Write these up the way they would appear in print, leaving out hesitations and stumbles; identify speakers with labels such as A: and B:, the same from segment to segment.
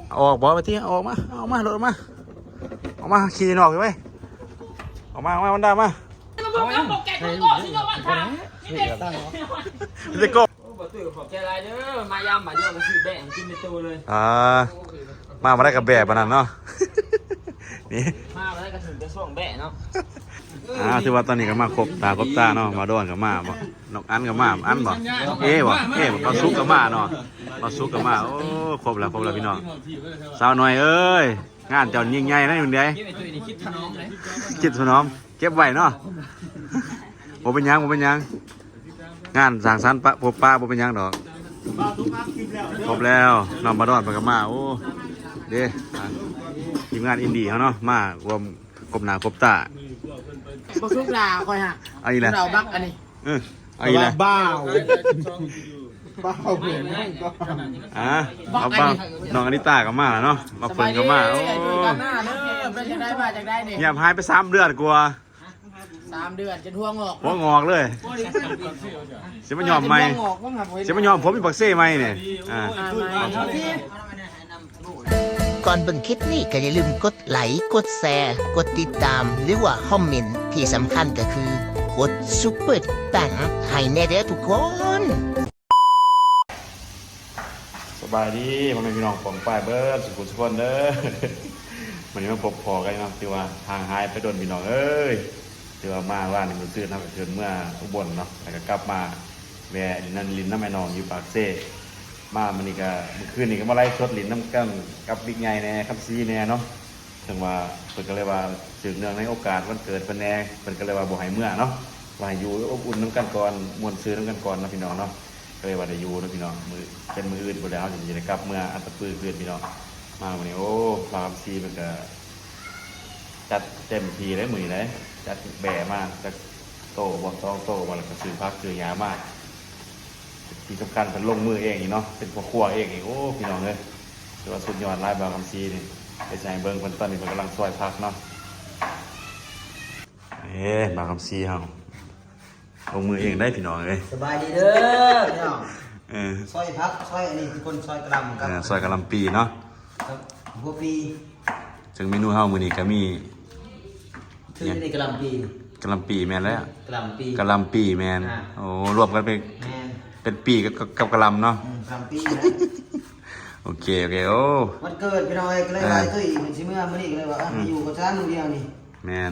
A: ออกบอกไปที่ออกมาโดดมาออกมาขี่นอกไปออกมามันได้มาเด็กก็
B: ขอบใจไรเด้อมายามมาเยอะมาซื้อแบ่งกินในตัวเลย
A: มาได้กับแบบนั้นเนาะนี่
B: มาได้กระถึงจะส่งแบ่เนาะ
A: ถือว่าตอนนี้ก็มาครบตาเนาะมาโดนกับมาบ่นกอันกับมาอันบ่มาซุกกับมาเนาะมาซุกกับมาโอ้ครบแล้วพี่น้องสาวหน่อยเอ้ยงานเจ้ายิ่งใหญ่นะอยู่ไหนคิดถนอมเก็บไว้เนาะบ่เป็นยังงานสั่งสรรค์พบป้าบ่เป็นยังดอกครบแล้วน้องมาดอนไปกับมาโอ้เด้ทีมงานอินดี้เขาเนาะมารวมกบหน้ากบตา
C: บ่ซุกลาคอยฮะ
A: เอาอีกแล้ว
C: เราบักอันนี้
A: เอาอีกแล้ว
C: บ้า
A: เพื่อนบ้าน้องอนิตากับมาแล้วเนาะมาเปิดกับมาโอ้เงียบหายไป3 เดือนกว่า
C: 3 เดือนจะทวงออก
A: หัวงอกเลยเสียมันยอมไหมเสียมันยอมผมมีปักเซ่ไหมเนี่ย
D: ก่อนเบิ่งคลิปนี้ก็อย่าลืมกดไลค์กดแชร์กดติดตามหรือว่าคอมเมนต์ที่สำคัญก็คือกดซุปเปอร์ตังให้แน่เด้อทุกคน
A: สบายดีพ่อแม่พี่น้องผมป้ายเบิร์ดสุขุมสุขคนเด้อวันนี้มาพบพอกันนะที่ว่าทางหายไปโดนพี่น้องเอ้ยที่ว่ามาว่าในมือซื้อนะเชิญเมื่ออุบลเนาะแล้วก็กลับมาแวะนั่นลินน้ำแม่นองอยู่ปากเซ่มามันนี่ก็เมื่อคืนนี่ก็มาไล่ชดลินน้ำกั้งกับบิ๊กไงแน่ครับซีแน่เนาะถึงว่าเพิ่นก็เลยว่าสืบเนื่องในโอกาสวันเกิดเพิ่นแน่เพิ่นก็เลยว่าบ่ให้เมื่อเนาะว่าให้อยู่อบอุ่นน้ำกันก่อนมวนซื้อน้ำกันก่อนนะพี่น้องเนาะก็เลยว่าได้อยู่นะพี่น้องมือเป็นมืออื่นบ่ได้เอาจะได้กลับเมื่ออันตะปื้อเพื่อนพี่น้องมาวันนี้โอ้ปากซีมันก็จัดเต็มทีเลยมือเลยจัดแบะมากจัดโตบอลต้องโตบอลแล้วก็ซื้อพักซื้อยามากที่สำคัญเป็นลงมือเองอีกเนาะเป็นพ่อครัวเองอีกโอ้พี่น้องเลยถือว่าสุดยอดไล่บางคำซีนี่ไปใช้เบิ้งคนตอนนี้มันกำลังซอยพักเนาะบางคำซีเฮาลงมือเองได้พี่น้องเลย
C: สบายดีเด้อพี่น้องซอยพักซอยอันนี้คือคนซอยกระลำครับ
A: ซอยกระลำปีเนาะ
C: หัวปี
A: จึงเมนูเฮามื้อนี้ก็มี
C: คือในกระลำปี
A: กระลำปีแม่นแล้ว
C: กระลำ
A: ปีแม่นโอ้รวมกันเป็นปีกับกระลำเนาะ
C: กระลำปีนะ
A: โอเคโอ้
C: วันเกิดพี่น้องก็เลยว่าตุ้ยมันสิเมื่อมื้อนี้ก็เลยว่าอยู่กับฉันมื้อเดียวนี่
A: แม่น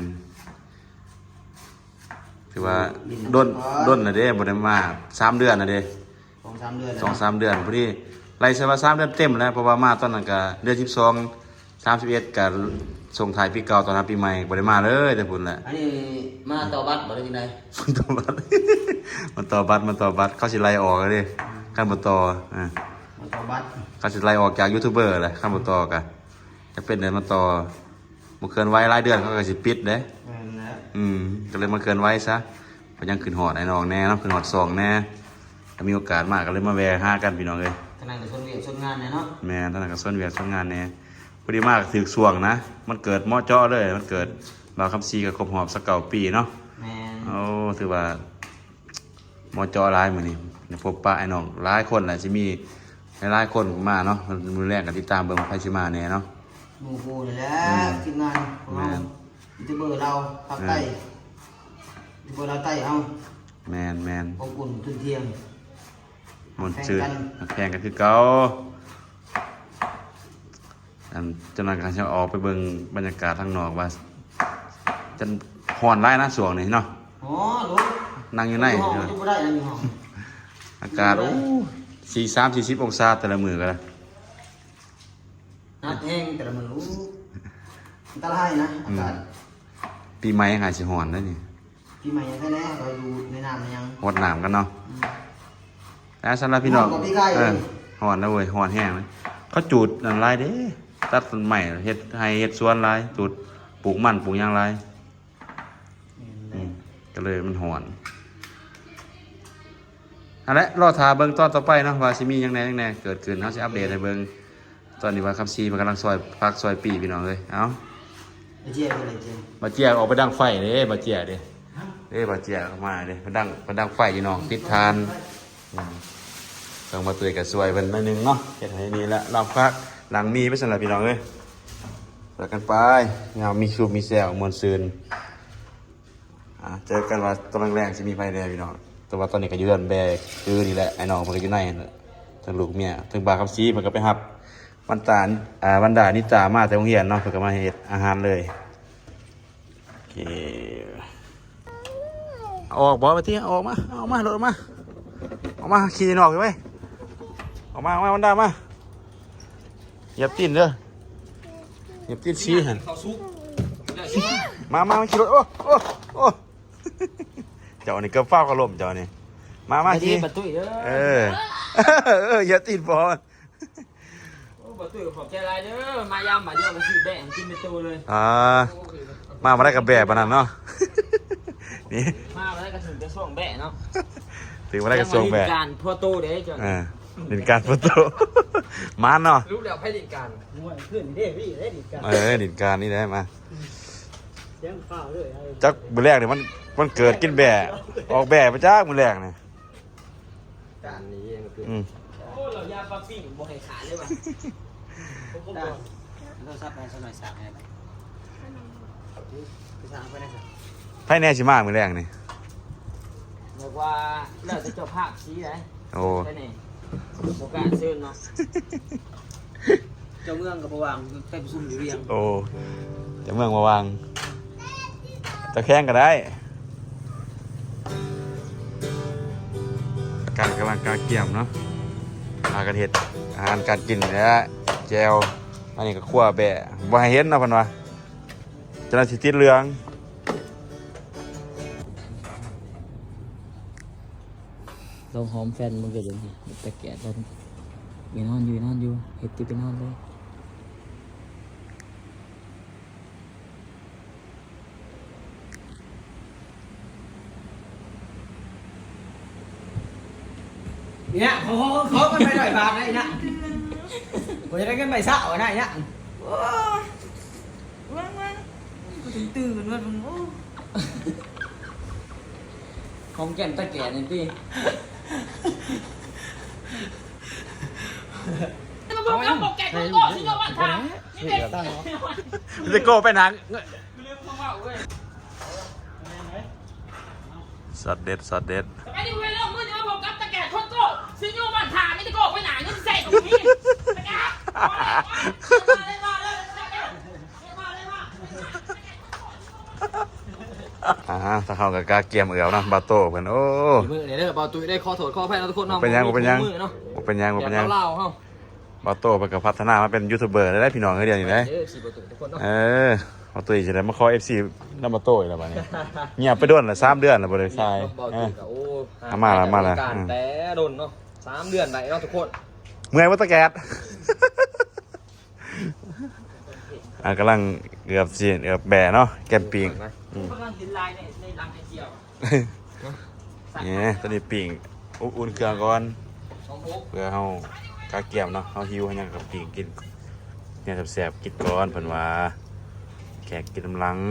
A: ถือว่าด้นน่ะเด้บ่ได้มา3 เดือนน่ะเด้
C: 2-3 เดือน
A: 2-3 เดือนพอดีไล่ซะว่า3 เดือนเต็มแล้วเพราะว่ามาตอนนั้นก็เดือน12 31ก็ส่งท้ายปีเก่าตอนรับปีใหม่บ่ได้มาเลยแต่พุ่นแหละ
C: อันนี้มาต่อบัตรบ่ได้จังได๋
A: มันต่อบัตรเขาสิไล่ออกเด้คันบ่ต่อ
C: มันต่อบัตร
A: เขาสิไล่ออกจากยูทูบเบอร์แหละคันบ่ต่อก็จะเป็นเดือนมาต่อบ่เกินไว้รายเดือนเขาก็สิปิดเด้ก็เลยมาเกินไว้ซะเพราะยังขึ้นฮอดไอ้น้องแน่เนาะขึ้นฮอด2แน่ถ้ามีโอกาสมากก็เลยมาแวะหากันพี่น้องเอ้ย
C: ท่านนั้นก็ชวนเวียกชวนงานแน่เนาะ
A: แม่ท่านนั้นก็ชวนเวียกชวนงานแน่พอดีมากถึกสวงนะมันเกิดเหมาะเจาะเลยมันเกิดบ่าวคำซีกับครบหอบสัก9 ปีเนาะ
C: แม่
A: โอ้ถือว่าเหมาะเจาะหลายมื้อนี้พบปะไอ้น้องหลายคนแหละสิมีหลายคนมาเนาะมื้อแรกก็ติดตามเบิ่งไผสิมาแน่เนาะ
C: หมู่คู่นี่แหละทีมงานของเรายูทูบเบอร์เราภาคใต้ยูทูบเบอร์เราใต้เอา
A: แม่น
C: อบอุ่นทุนเที่ยง
A: มันจืดแพงกันคือเก่าจนนั้นก็จะออกไปเบิ่งบรรยากาศทางนอกว่าจะฮ้อนหลายนะช่วงนี้เนาะ
C: อ๋อลูก
A: นั่งอยู่ในอากาศโอ้43-40 องศาแต่ละมื้อก็ได้
C: นัดแห้งแต่ละมื้ออันตรายนะอากาศ
A: ปีใหม่หาสิฮ้อนได้นี่
C: ปีใหม่ยังแท้ๆเราอยู่ในน้ำยัง
A: ฮอดน้ำกันเนาะแล้วสำหรับพี่น้องฮ้อนนะเว้ยฮ้อนแห้งเลยเขาจูดนั่นหลายเด้ตัดต้นไม้เฮ็ดให้เฮ็ดสวนหลายจูดปลูกมันปลูกหยังหลายก็เลยมันฮ้อนอันละรอท่าเบิ่งตอนต่อไปเนาะว่าสิมีหยังแหน่เกิดขึ้นเฮาสิอัปเดตให้เบิ่งตอนนี้ว่าคำซีมันกำลังซอยพักซอยปีพี่น้องเอ้ยเอ้า
C: บ่เจียอะไรเจีย
A: บ่เจียออกไปดังไฟเด้บ่เจียเด้บ่เจียเข้ามาเด้ไปดังไฟอยู่น้องติดทานต้องมาเตือนกับซวยเพิ่นหน่อยนึงเนาะเฮ็ดให้นี่ละเราพักหลังมีไม่ใช่หรอพี่น้องเอ้ยแล้วกันไปงามมีชูมีแซวมวลซืนเจอกันว่าตอนแรกๆจะมีไฟแดงพี่น้องแต่ว่าตอนนี้ก็ยืนแบกคือนี่แหละไอ้น้องมันก็อยู่ในทั้งลูกเมียทั้งบาคับซีมันก็ไปหับวันดานิตามาแต่โรงเรียนเนาะเพิ่นก็มาเฮ็ดอาหารเลยโอเคออกบ่ไปที่ออกมาโดดออกมาขี่นอกเลยเว้ยออกมาวันดามาเหยียบตีนเด้อเหยียบตีนชี้หัน
B: เขาซุก
A: มาขี่รถโอ้ เจ้านี่ก็เฝ้ากระลมเจ้านี่มาขี่
B: ประตูเด้อ
A: อย่าตีนบอล
B: โอ้ประตูขอบใจหลายเด้อมายามมาเยอะมาซื้อแบ่งกินในตู้เลย
A: มาได้กับแบบปะนั้นเนาะนี่
B: มาได้กระถึงจะส่วงแบ่เนาะ
A: ถึงมาได้กับทรงแบบ
B: การพ่อตู้เด้จ้ะ
A: ดินการประตูมาเนาะ
B: รู้แล้วให้ดิการมวยขึ้นเด้พี่ได้ดิการ
A: ดินการนี่ได้มา
B: เสียงข้าวเลย
A: จักมือแรกเนี่ยมันเกิดกินแบะออกแบะมาจากมือแรกเนี่ย
B: การนี้เองคือ
A: อืม
B: โอ้เรายาปลาปิ้งบ่ให้ขาดเลยว่ะ
C: เราซับไปสักหน่อยสั่งให้ไปสั่งไปได้สิ
A: ไพ่แน่ชิมากมือแรกนี่
B: เรียกว่าเราจะเจ้าภาพชี้ไหน
A: โอ้
B: ใช่นี่โอกาสซื้อเนาะ
C: เจ้าเมืองกับประวังไปประชุมอยู่เรียง
A: โอ้จะเมืองมาวางจะแข่งก็ได้การกำลังการเกี่ยมเนาะอาการเห็ดอาหารการกินเนี่ยแจวอันนี้ก็คั่วแบะว่าให้เห็นเนาะพันวะจะน่าสิติดเรือง
B: เราหอมแฟนมันเกิดอย่างนี้แต่แก่ตอนอยู่นอนอยู่เห็ดตีไปนอนเลยเนี่ยเขากันไปหน่อยบาทนะเนี่ยผมจะได้กันไปสาวนะเนี่ยตื่นว่ามึงของแก่นตะแก่นี่พี่บอกแล้วบอกแก่ก็ก่อนที่เราวันทางนี่เด็ก
A: จะโก้ไปหนัง
B: เรื่องของเราเว้ย
A: สัตว์เด็ด
B: ไอ้นี่เว้ยเรื่องมือนี่มาบอกกับตะแก่คนโก้ซื้อยูวันทางไม่ตะโก้ไปไหนเงินใส่ตรงนี้ตะแก่
A: ถ้าเขากับกาเกียมเอือนะบาโต้เพิ่นโอ้
B: มือเนี่ยเด้อเบาตุ้ยได้ขอโทษขออภัยนะทุกคนเนาะ
A: เป็นยัง
B: มือเนาะ
A: เป็นยัง
B: เล่าเฮา
A: บาโต้เพิ่นก็พัฒนามาเป็นยูทูบเบอร์ได้พี่น้องเฮาเดียวนี่ได้
B: สี่ประตูทุกคนเนาะ
A: บาโต้สิได้มาขอ FC นำบาโต้อีกแล้วบัดนี้เงียบไปโดนละ3เดือนแล้วบ่ได้ใช่
B: เบาตุ้ยกับโอ้
A: มาละ
B: การแต่โดนเนาะ3 เดือนได้เนาะทุกคน
A: เมื่อยบ่ตะแกดกำลังเกือบแบะเนาะแกมปิง
B: กำลังกินลายในรังไอเจียว
A: นี่ตอนนี้ปิงอุ่นเครื่องก่อน
B: สองพก
A: เพื่อเฮากาเกียมเนาะเฮาหิวเฮายังกับปิงกินเนี่ยแซ่บๆกินก่อนเพิ่นว่าแขกกินกำลัง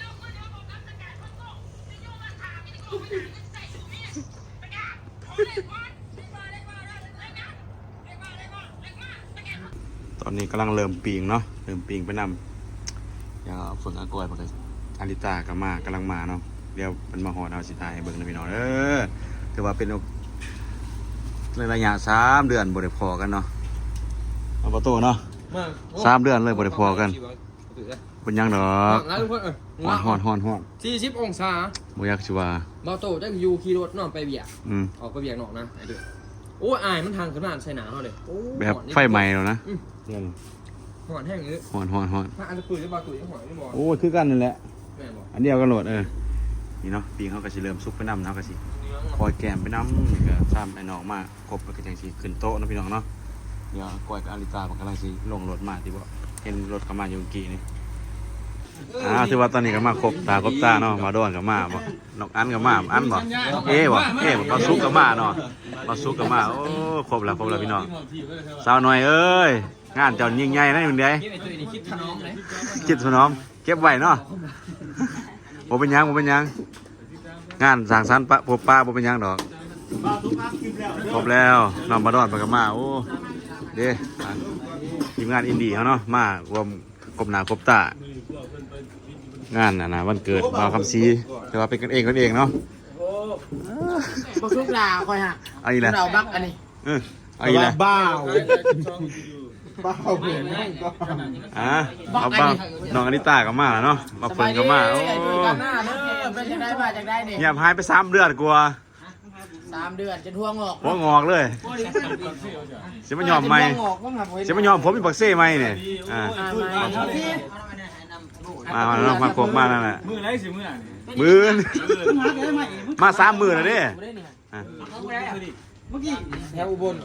A: ตอนนี้กำลังเริ่มปิงเนาะเริ่มปิงไปนำอย่างฝนอากอยมันก็อาริตาก็มากำลังมาเนาะเดี๋ยวมันมาหอดเอาสิทายให้เบิ่งนะพี่น้องถือว่าเป็นระยะ3 เดือนบ่ได้พอกันเนาะเอาประตูเนาะ3 เดือนเลยบ่ได้พอกันเป็นยังดอก
B: นะทุกคน
A: ฮ้อน
B: 40 องศา
A: บ่อยากสิว่า
B: เบาโตจังอยู่ขี่รถนอนไปเบียก ออกไปเบียกนอกนะไอ้เด้อโอ้ยอายมันทางขนาดใส่หนาเขาเลยโอ้
A: แบบไฟใหม่แล้วนะ
B: หอนแห้งเลย
A: ฮ้อน
B: ถ้าอันจะปืนจะบาตุ๋ยจะหอนไม่บอก
A: โอ้คือกันนั่นแหละ
B: แม่บอก
A: อันเดียวกันโหลดนี่เนาะปีเขาก็สิเริ่มซุปไปน้ำเนาะก็สิคอยแกมไปน้ำนี่ก็ซ้ำไอ้น้องมาครบแล้วก็จังสิขึ้นโต๊ะเนาะพี่น้องเนาะเดี๋ยวก้อยกับอาริตามันกำลังสิลงรถมาที่บ่เห็นรถเข้ามาอยู่เมื่อกี้นี่ถือว่าตอนนี้ก็มาครบตาเนาะมาโดนกับมาบ่นกอันกับมาอันบ่บ่มาซุกกับมาเนาะมาซุกกับมาโอ้ครบแล้วพี่น้องสาวหน่อยเอ้ยงานเจ้ายิ่งใหญ่นะมึงเด้
B: คิดไอ้ตัวนี้คิดถนอมเลย
A: คิดถนอมเก็บไว้เนาะบ่เป็นหยังงานสร้างสรรค์พบป้าบ่เป็นหยังดอกครบแล้วน้องมาดอดไปกับมาโอ้เด้ทีมงานอินดี้เขาเนาะมารวมกบหนาครบตางานนะวันเกิดบ่าวคำซีแต่ว่าเป็นกันเองเนาะ
C: บักลูกลาคอยฮะ
A: เอาอีกแล้ว
C: เราบักอันนี้
A: เอาอีกแล้ว
C: บ้าวเห็นไหมก็
A: เอาบ้างน้องอนิต้าก็มาแล้วเนาะมาเฟิร์นก็มาโอ้
C: กันหน้าเด้อเป็นยังไงมาจากได้เนี่ย
A: เงียบหายไป3 เดือนกลัว
C: 3 เดือนจะทวงออก
A: หัวงอกเลยเสียมันยอมไหมเสียมันยอมผมมีบักเซ่ไหมเนี่ยมาครบมานั่นแหละ
E: มือไรสิมืออ่ะ
A: มือมา3 มื้อแล้วเด้
C: แถวอุบล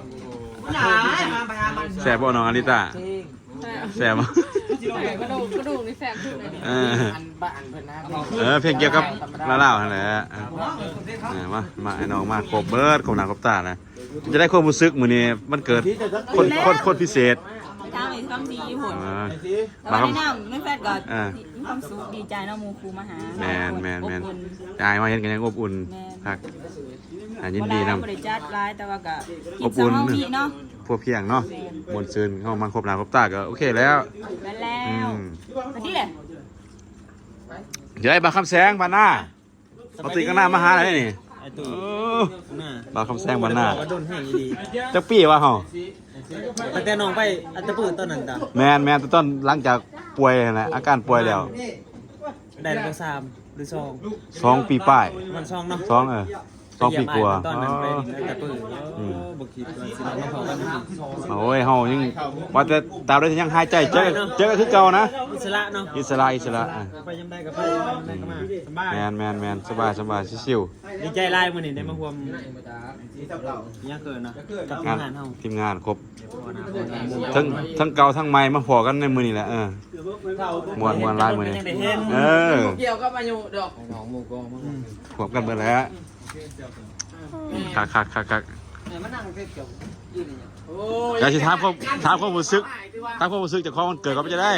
A: แซ่บบ่น้องอนิต้าแซ่บบ่
F: กระดูกนี่แสบขึ้นเลย
C: อันบ้านเพิ่นนะ
A: เพลงเกี่ยวกับลาวๆนั่นแหละมาไอ้น้องมาครบเบิดครบหน้าครบตานะจะได้ความรู้สึกมื้อนี้มันเกิดคนพิเศษ
F: จ้างอีกคำดีผล
A: มาครับ
F: แนะนำไม่แฟดก็มีความสุขดีใจเนาะมูครูมาหา
A: แมนยายมาเห็นกันยังอบอุ่นพักยินดีนำ
F: บริจาคร้ายแต่ว่าก็
A: อบอุ่น
F: กินสองเนาะ
A: พวกเพียงเนาะมวลซืนเข้ามาครบหน้าครบตาก็โอเคแล้ว
F: แล้วมาที่เลย
A: เดี๋ยวไอ้บาคำแสงบานหน้าเอาตีกันหน้ามาหาอะไรนี่บาคำแสงบานหน้า
B: โดนแห้งดี
A: จักปี้วะเฮา
B: ตั้งแต่น้องไปอัตตปืนตอนนั้นจ้ะ
A: แมนต้นหลังจากป่วยนะอาการป่วยแล้ว
B: ได้แล้ว3หรือ
A: 2 ปีป้าย
B: มัน2เนาะ
A: 2 ปีกว่า
B: ตอนนั้นไปอัตตปืนบ่คิดว่าสิมาพอกัน
A: โอ้ยเฮายังว่าแต่ตามได้ยังหายใจเจอก็คือเก่านะ
B: อิสระเนาะ
A: อิสระ
B: ไปยำได้ก็ไปยำได้ก็มาสบาย
A: แมนสบายชิว
B: ดีใจหลายมื้อนี้ได้มาร่วมเนี่ยเกินนะกับ
A: ๆงาน
B: งานเฮา
A: ทีมงานครบทั้งเก่าทั้งใหม่มาพอกันในมื้อนี้แหละมวนหลายมื้อนี้
C: เกี่ยวกับอายุดอก
A: พบกันเบิดแล้วคัก
C: มานั่งเกี่ยวยืนอย่างโอ้ย
A: อยากสิถามความรู้สึกจากของมันเกิดก็ไม่จะได้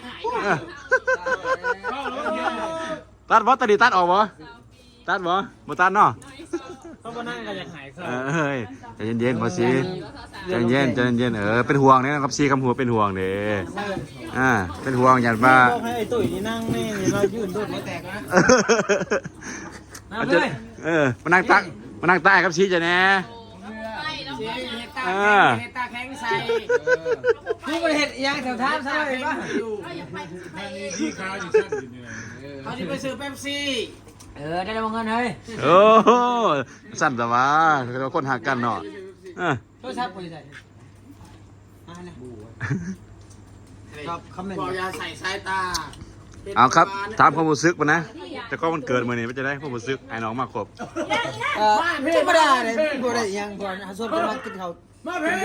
A: ตัดบ่ตัดดิตัดออกบ่ตัดบ่ตัดเนาะ
B: เขาบ่นั่งก็อยากหายซะ
A: ใจเย็นๆพอสิใจเย็นเป็นห่วงเนี่ยครับซีคำหัวเป็นห่วงเด้เป็นห่วงอย่างว่า
B: บอกให้ไอ้ตุ้ยนี่นั่งแม่นี่เรายืนโดดไม่แตกนะ
A: มานั่งใต้ครับซีจะแน่
C: เฮตาแข็งใส่ผู้บริเหตุยังแถวท่าใช่ไหมอยู่
E: ที่ค้าอยู่ชั้นอยู่เนี่ย
C: เขาจะไปซื้อเป๊ปซี่ได้แล้วเงินเฮ้ย
A: โอ้สั่นแต่ว่าเราคนหักกันเนาะ
C: โทรศัพท์คนใส่ครับคำเมนต์บอกอย่าใส่สายตา
A: เอาครับถามความรู้สึกมานะแต่ก็มันเกิดมื้อนี้มันจะได้ความรู้สึกไอ้น้องมาครบ
C: ธรรมดาเลยบ่ได้ยังก่อนส่วนคนมากินข้าวมาเพ่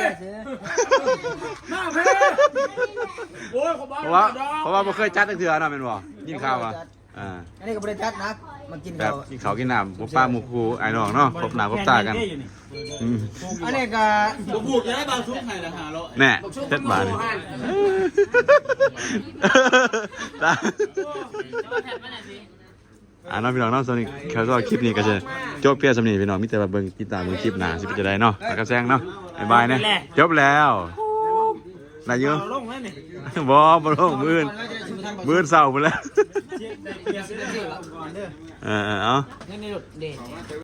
C: โอ้ย
A: เพราะว่าบ่เคยจัดตั้งเทื่อเนาะแม่นบ่ยินข่าวว่า
C: อันนี้ก็บริจัดนะมากิน
A: แบบ
C: ข้าว
A: กินข้าวกินน้ำหมูป้าหมูครูไอ้น้องเนาะครบหน้าครบตากัน
C: อันนี้ก็
B: บ่พูดจะได้บางทุกให้ละ500
A: แน่เจ็ดบาทนี่น้องพี่น้องน้องสนิทเขาก็คลิปนี้ก็จะจบเพียงสำนีพี่น้องมิแต่ว่าเบิ่งติดตามเบิ่งคลิปหน้าสิเป็นจะได้เนาะแล้วก็แซงเนาะบ๊ายบายนะจบแล้วนายเยอะ
B: ลงแล้วนี่
A: บ่ลงมื้อเศร้าไปแล้ว
B: ก่อนเด้อ
A: เอา
C: นี่รถเด็